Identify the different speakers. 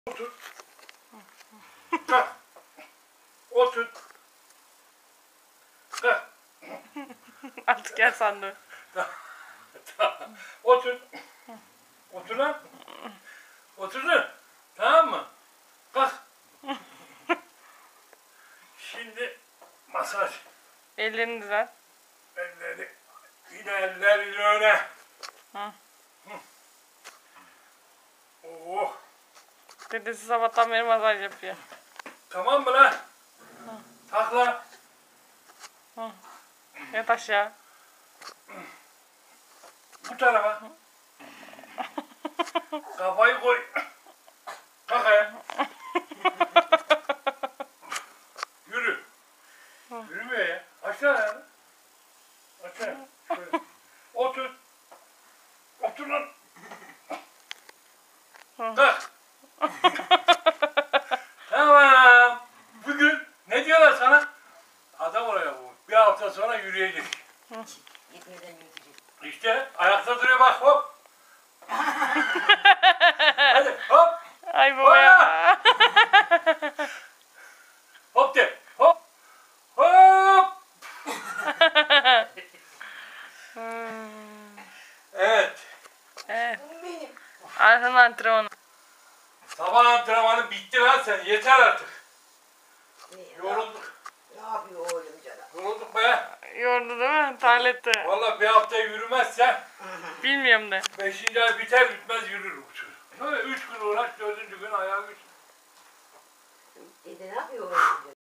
Speaker 1: Otur. Kalk. Otur. Kalk.
Speaker 2: Artık gel sandım.
Speaker 1: Otur. Otur lan. Oturdun. Tamam mı? Kalk. Şimdi masaj.
Speaker 2: Ellerini düzelt.
Speaker 1: Elleri. Yine eller yine öne.
Speaker 2: Hı.
Speaker 1: Oh.
Speaker 2: Dedesi sabahtan beri masaj yapıyor.
Speaker 1: Tamam mı lan? Takla.
Speaker 2: Yat aşağı.
Speaker 1: Bu tarafa. Kafayı koy. Kalk ayağa. Yürü. Yürümüyor ya. Aşağı ayağını. Aşağı. Şöyle. Otur. Otur lan. Kalk. Tamam. Bugün ne diyorlar sana? Adam oraya bu. Bir hafta sonra yürüyecek.
Speaker 3: Gitmeden yürüyecek.
Speaker 1: İşte ayakta duruyor bak hop. Hadi hop.
Speaker 2: Ay baba ya.
Speaker 1: Hop de. Hop. Hop. Evet.
Speaker 2: Evet.
Speaker 3: Benim.
Speaker 2: Arhan antrenmanı.
Speaker 1: Sabah antrenmanı bitti lan sen. Yeter artık. Yorulduk.
Speaker 3: Ne yapıyor oğlum canım?
Speaker 1: Yorulduk be.
Speaker 2: Yordu değil mi? Terletti.
Speaker 1: Vallahi bir hafta yürümezsen
Speaker 2: Bilmiyorum de.
Speaker 1: 5. ay biter bitmez yürür bu çocuk. Böyle 3 gün uğraş 4. gün ayağa güç.
Speaker 3: Dede ne yapıyor oğlum canım?